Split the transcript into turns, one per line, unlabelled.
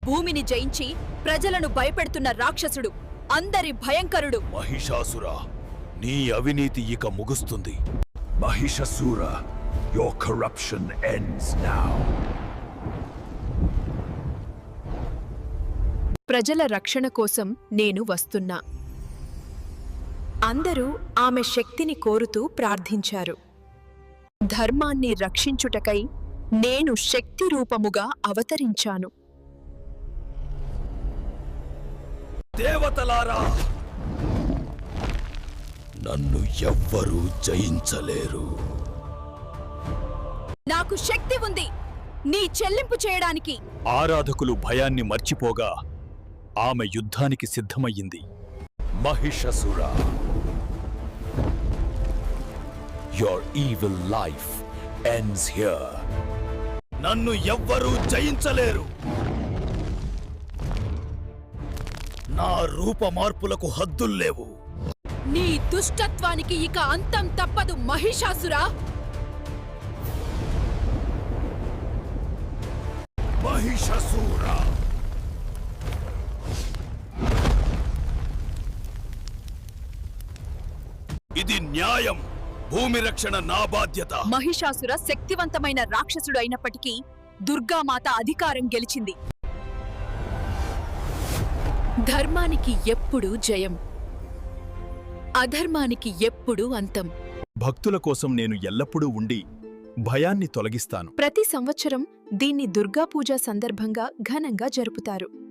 భూమిని జయించి ప్రజలను భయపెడుతున్న రాక్షసుడు, అందరి భయంకరుడు.
మహిషాసుర, నీ అవినీతి ఇక ముగుస్తుంది.
Mahishasura, your corruption ends now.
ప్రజల రక్షణ కోసం నేను వస్తున్నా. అందరూ ఆమె శక్తిని కోరుతూ ప్రార్థించారు. ధర్మాన్ని రక్షించుటకై నేను శక్తి రూపముగా అవతరించాను.
దేవతలారా, నన్ను ఎవ్వరూ జయించలేరు.
నాకు శక్తి ఉంది నీ చెల్లింపు చేయడానికి.
ఆరాధకులు భయాన్ని మర్చిపోగా ఆమె యుద్ధానికి సిద్ధమయ్యింది. Mahishasura, your evil life ends here. నన్ను ఎవ్వరూ జయించలేరు. నా రూప మార్పులకు హద్దుల్లేవు.
నీ దుష్టత్వానికి ఇక అంతం తప్పదు మహిషాసురా.
మహిషాసుర, ఇది న్యాయం. భూమి రక్షణ నా బాధ్యత.
మహిషాసుర శక్తివంతమైన రాక్షసుడు అయినప్పటికీ దుర్గామాత అధికారం గెలిచింది. ధర్మానికి ఎప్పుడూ జయం, అధర్మానికి ఎప్పుడూ అంతం.
భక్తుల కోసం నేను ఎల్లప్పుడూ ఉండి భయాన్ని తొలగిస్తాను.
ప్రతి సంవత్సరం దీన్ని దుర్గాపూజ సందర్భంగా ఘనంగా జరుపుతారు.